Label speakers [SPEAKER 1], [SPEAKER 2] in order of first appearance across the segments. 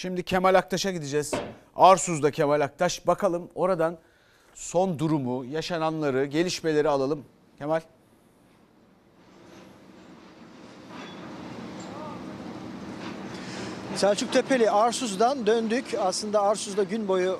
[SPEAKER 1] Şimdi Kemal Aktaş'a gideceğiz. Arsuz'da Kemal Aktaş. Bakalım oradan son durumu, yaşananları, gelişmeleri alalım. Kemal.
[SPEAKER 2] Selçuk Tepeli Arsuz'dan döndük. Aslında Arsuz'da gün boyu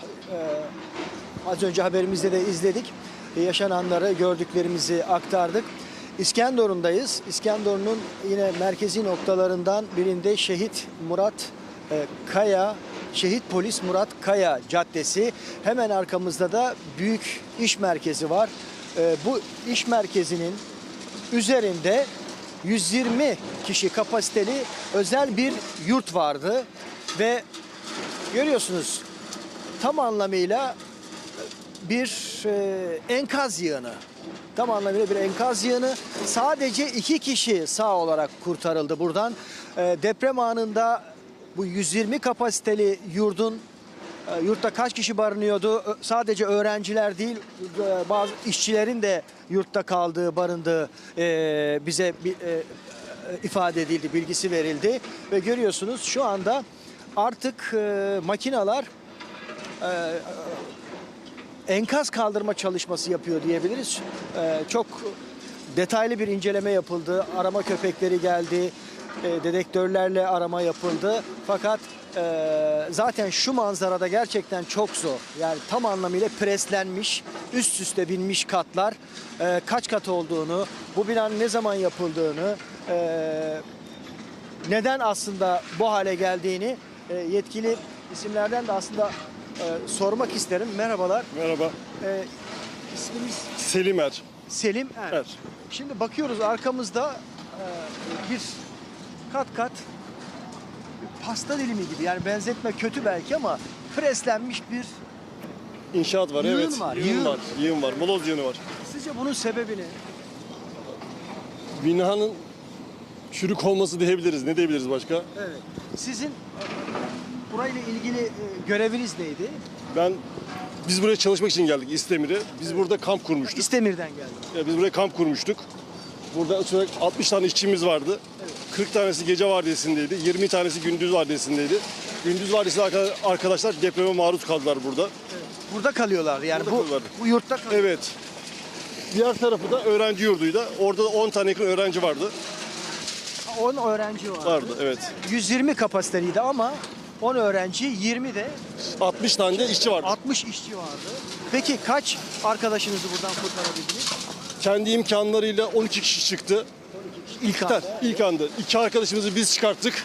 [SPEAKER 2] az önce haberimizde de izledik. Yaşananları, gördüklerimizi aktardık. İskenderun'dayız. İskenderun'un yine merkezi noktalarından birinde Şehit Murat Kaya, Şehit Polis Murat Kaya Caddesi. Hemen arkamızda da büyük iş merkezi var. Bu iş merkezinin üzerinde 120 kişi kapasiteli özel bir yurt vardı ve görüyorsunuz tam anlamıyla bir enkaz yığını. Tam anlamıyla bir enkaz yığını. Sadece 2 kişi sağ olarak kurtarıldı buradan. Deprem anında bu 120 kapasiteli yurtta kaç kişi barınıyordu? Sadece öğrenciler değil, bazı işçilerin de yurtta kaldığı, barındığı bize ifade edildi, bilgisi verildi. Ve görüyorsunuz şu anda artık makineler enkaz kaldırma çalışması yapıyor diyebiliriz. Çok detaylı bir inceleme yapıldı. Arama köpekleri geldi. Dedektörlerle arama yapıldı. Fakat zaten şu manzarada gerçekten çok zor. Yani tam anlamıyla preslenmiş, üst üste binmiş katlar. Kaç kat olduğunu, bu binanın ne zaman yapıldığını, neden aslında bu hale geldiğini yetkili isimlerden de aslında sormak isterim. Merhabalar.
[SPEAKER 3] Merhaba.
[SPEAKER 2] İsminiz?
[SPEAKER 3] Selim Er.
[SPEAKER 2] Selim Er.
[SPEAKER 3] Er.
[SPEAKER 2] Şimdi bakıyoruz arkamızda bir kat kat bir pasta dilimi gibi, yani benzetme kötü belki ama preslenmiş bir
[SPEAKER 3] İnşaat var,
[SPEAKER 2] yığın
[SPEAKER 3] evet.
[SPEAKER 2] var.
[SPEAKER 3] Yığın var. Yığın var. Moloz yığını var.
[SPEAKER 2] Sizce bunun sebebi ne?
[SPEAKER 3] Binanın çürük olması diyebiliriz. Ne diyebiliriz başka?
[SPEAKER 2] Evet. Sizin burayla ilgili göreviniz neydi?
[SPEAKER 3] Biz buraya çalışmak için geldik İstemir'e. Biz burada kamp kurmuştuk.
[SPEAKER 2] İstemir'den geldim.
[SPEAKER 3] Biz buraya kamp kurmuştuk. Burada 60 tane işçimiz vardı. 40 tanesi gece vardiyasındaydı. 20 tanesi gündüz vardiyasındaydı. Gündüz vardiyasında arkadaşlar depreme maruz kaldılar burada.
[SPEAKER 2] Burada kalıyorlar. Yani
[SPEAKER 3] Burada kalıyorlar.
[SPEAKER 2] bu yurtta kalıyorlar.
[SPEAKER 3] Evet. Diğer tarafı da öğrenci yurduydu. Orada da 10 tane yakın öğrenci vardı.
[SPEAKER 2] 10 öğrenci vardı.
[SPEAKER 3] Vardı, evet.
[SPEAKER 2] 120 kapasiteliydi ama 10 öğrenci, 20 de
[SPEAKER 3] 60 tane de işçi vardı.
[SPEAKER 2] 60 işçi vardı. Peki kaç arkadaşınızı buradan kurtarabildiniz?
[SPEAKER 3] Kendi imkanlarıyla 12 kişi çıktı.
[SPEAKER 2] İlk anda.
[SPEAKER 3] İlk anda. 2 arkadaşımızı biz çıkarttık.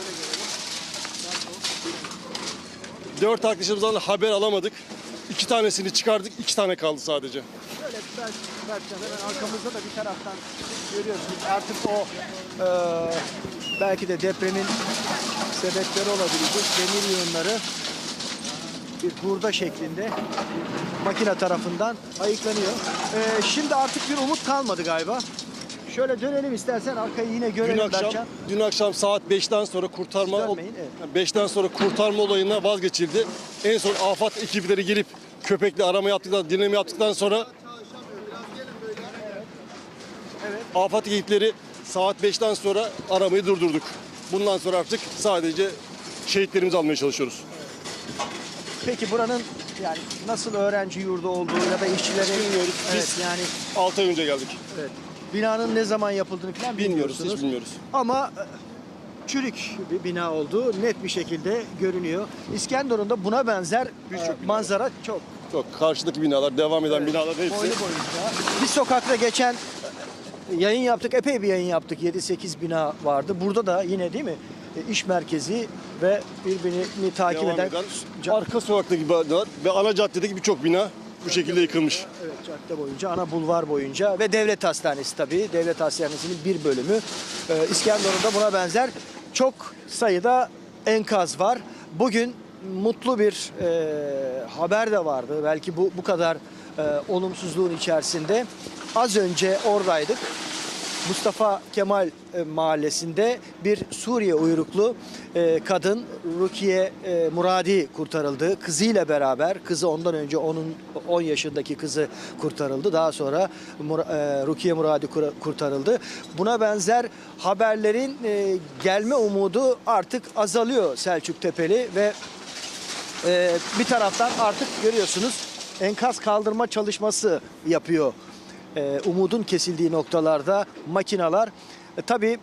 [SPEAKER 3] 4 arkadaşımızdan haber alamadık. 2 tanesini çıkardık. 2 tane kaldı sadece.
[SPEAKER 2] Şöyle belki hemen arkamızda da bir taraftan görüyorsunuz. Artık o belki de depremin sebepleri olabilecek demir yığınları bir hurda şeklinde makine tarafından ayıklanıyor. Şimdi artık bir umut kalmadı galiba. Şöyle dönelim istersen, arkayı yine görelim Berkcan.
[SPEAKER 3] Dün akşam saat 5'ten sonra
[SPEAKER 2] Dönmeyin, evet.
[SPEAKER 3] 5'ten sonra kurtarma olayına vazgeçildi. En son AFAD ekipleri gelip köpekle arama yaptıktan, dinleme yaptıktan sonra AFAD ekipleri saat 5'ten sonra aramayı durdurduk. Bundan sonra artık sadece şehitlerimizi almaya çalışıyoruz.
[SPEAKER 2] Peki buranın yani nasıl öğrenci yurdu olduğu ya da işçilerin
[SPEAKER 3] Bilmiyoruz.
[SPEAKER 2] Evet,
[SPEAKER 3] Biz
[SPEAKER 2] yani
[SPEAKER 3] 6 ay önce geldik.
[SPEAKER 2] evet, binanın ne zaman yapıldığını falan
[SPEAKER 3] Bilmiyoruz,
[SPEAKER 2] bilmiyorsunuz.
[SPEAKER 3] hiç bilmiyoruz.
[SPEAKER 2] Ama çürük bir bina olduğu net bir şekilde görünüyor. İskenderun'da buna benzer manzara çok.
[SPEAKER 3] Çok karşıdaki binalar, devam eden binalar hepsi.
[SPEAKER 2] Boylu boyunca. Bir sokakta geçen yayın yaptık, epey bir yayın yaptık. 7-8 bina vardı. Burada da yine değil mi? İş merkezi ve birbirini takip
[SPEAKER 3] Devam
[SPEAKER 2] eden
[SPEAKER 3] arka sokaktaki binalar ve ana caddedeki birçok bina bu şekilde yıkılmış.
[SPEAKER 2] evet, cadde boyunca, ana bulvar boyunca ve devlet hastanesi tabii. Devlet hastanesinin bir bölümü. İskenderun'da buna benzer çok sayıda enkaz var. Bugün mutlu bir haber de vardı. Belki bu kadar olumsuzluğun içerisinde. Az önce oradaydık. Mustafa Kemal mahallesinde bir Suriye uyruklu kadın Rukiye Muradi kurtarıldı. Kızıyla beraber, kızı ondan önce onun 10 yaşındaki kızı kurtarıldı. Daha sonra Rukiye Muradi kurtarıldı. Buna benzer haberlerin gelme umudu artık azalıyor Selçuktepe'li ve bir taraftan artık görüyorsunuz enkaz kaldırma çalışması yapıyor. Umudun kesildiği noktalarda makineler. Tabii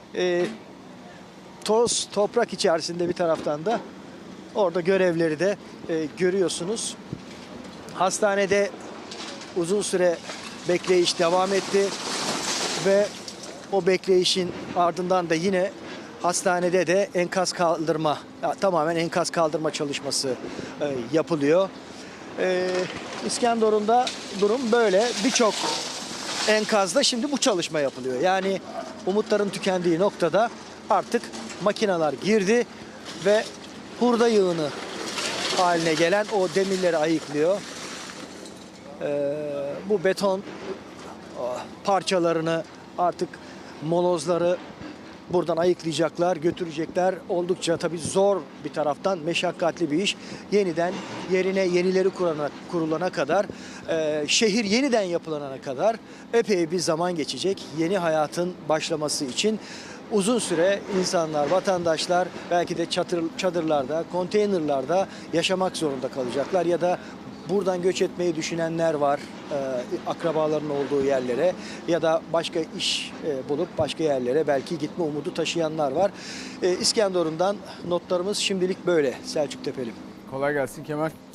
[SPEAKER 2] toz, toprak içerisinde bir taraftan da orada görevleri de görüyorsunuz. Hastanede uzun süre bekleyiş devam etti ve o bekleyişin ardından da yine hastanede de enkaz kaldırma, tamamen enkaz kaldırma çalışması yapılıyor. İskenderun'da durum böyle. Birçok enkazda şimdi bu çalışma yapılıyor. Yani umutların tükendiği noktada artık makineler girdi ve hurda yığını haline gelen o demirleri ayıklıyor. Bu beton parçalarını artık molozları buradan ayıklayacaklar, götürecekler. Oldukça tabii zor bir taraftan meşakkatli bir iş. Yeniden yerine yenileri kurulana kadar, şehir yeniden yapılana kadar epey bir zaman geçecek. Yeni hayatın başlaması için uzun süre insanlar, vatandaşlar belki de çadırlarda, konteynerlarda yaşamak zorunda kalacaklar ya da buradan göç etmeyi düşünenler var, akrabaların olduğu yerlere ya da başka iş bulup başka yerlere belki gitme umudu taşıyanlar var. İskenderun'dan notlarımız şimdilik böyle Selçuktepe'li.
[SPEAKER 1] Kolay gelsin Kemal.